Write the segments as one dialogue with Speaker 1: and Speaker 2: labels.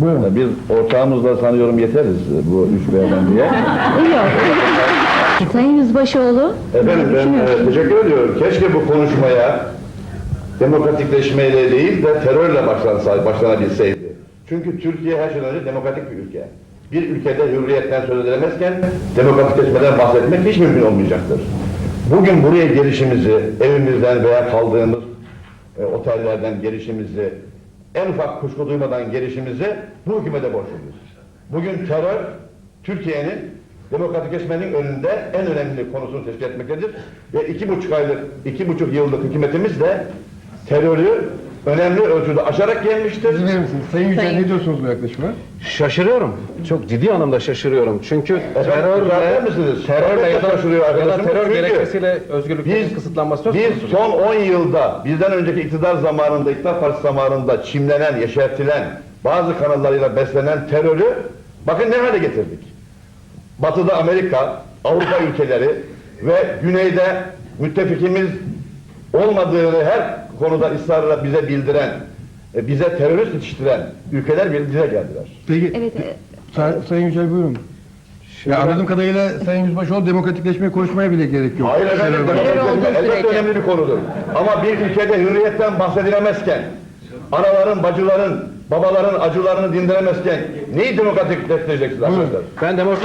Speaker 1: Buyurun.
Speaker 2: Biz ortağımızla sanıyorum yeteriz bu üç beyefendiye.
Speaker 3: Yok. Sayın Yüzbaşıoğlu.
Speaker 2: Efendim ben teşekkür ediyorum. Keşke bu konuşmaya demokratikleşmeyle değil de terörle başlanabilseydi. Çünkü Türkiye her şeyden önce demokratik bir ülke. Bir ülkede hürriyetten söz edilemezken demokratikleşmeden bahsetmek hiç mümkün olmayacaktır. Bugün buraya gelişimizi, evimizden veya kaldığımız otellerden gelişimizi, en ufak kuşku duymadan gelişimizi bu hükümete borçluyuz. Bugün terör, Türkiye'nin demokratikleşmenin önünde en önemli konusunu teşkil etmektedir. Ve 2,5 yıllık hükümetimiz de terörü önemli ölçüde aşarak gelmiştir.
Speaker 1: İzin verir misiniz? Sayın Yücel ne diyorsunuz bu yaklaşıma?
Speaker 4: Şaşırıyorum. Çok ciddi anlamda şaşırıyorum. Çünkü terörle ya da terör gerekçesiyle özgürlüklerin kısıtlanması söz konusu.
Speaker 2: Biz son 10 yılda, bizden önceki iktidar zamanında, iktidar partisi zamanında çimlenen, yeşertilen, bazı kanallarıyla beslenen terörü bakın ne hale getirdik. Batı'da Amerika, Avrupa ülkeleri ve güneyde müttefikimiz olmadığını her konuda ısrarla bize bildiren, bize terörist yetiştiren ülkeler bize geldiler.
Speaker 1: Peki,
Speaker 3: Evet.
Speaker 1: Sayın Yücel buyurun. Ya anladığım kadarıyla Sayın Yüzbaşıoğlu demokratikleşmeyi konuşmaya bile gerek yok.
Speaker 2: Hayır efendim, demokratikleşme elbette önemli bir konudur. Ama bir ülkede hürriyetten bahsedilemezken, anaların, bacıların, babaların acılarını dindiremezken neyi demokratikleştireceksiniz arkadaşlar?
Speaker 4: Ben demokratik...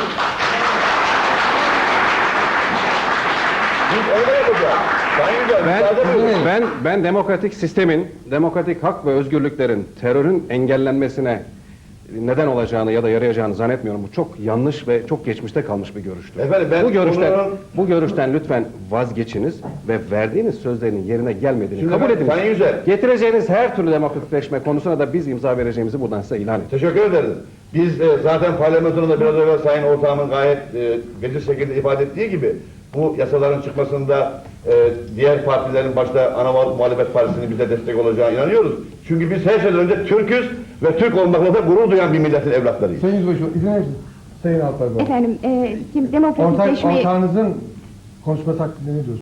Speaker 2: Biz öyle yapacağız. Sayın Yücel,
Speaker 4: Ben demokratik sistemin, demokratik hak ve özgürlüklerin terörün engellenmesine neden olacağını ya da yarayacağını zannetmiyorum. Bu çok yanlış ve çok geçmişte kalmış bir görüştür.
Speaker 2: Efendim, ben
Speaker 4: bu görüşten lütfen vazgeçiniz ve verdiğiniz sözlerin yerine gelmediğini kabul ediniz.
Speaker 2: Sayın Yücel,
Speaker 4: Getireceğiniz her türlü demokratikleşme konusuna da biz imza vereceğimizi buradan size ilan ediyoruz.
Speaker 2: teşekkür ederiz. Biz zaten parlamentonda biraz evvel Sayın Ortağımın gayet geniş şekilde ifade ettiği gibi bu yasaların çıkmasında diğer partilerin başta ana muhalefet partisinin bize destek olacağına inanıyoruz. Çünkü biz her şeyden önce Türk'üz ve Türk olmakla da gurur duyan bir milletin evlatlarıyız.
Speaker 1: Sayın Yüzbaşıoğlu izin verir misiniz? Sayın Alpay Bey.
Speaker 3: Efendim, demokratikleşmeyi...
Speaker 1: Ortağınızın konuşması hakkında ne diyorsunuz?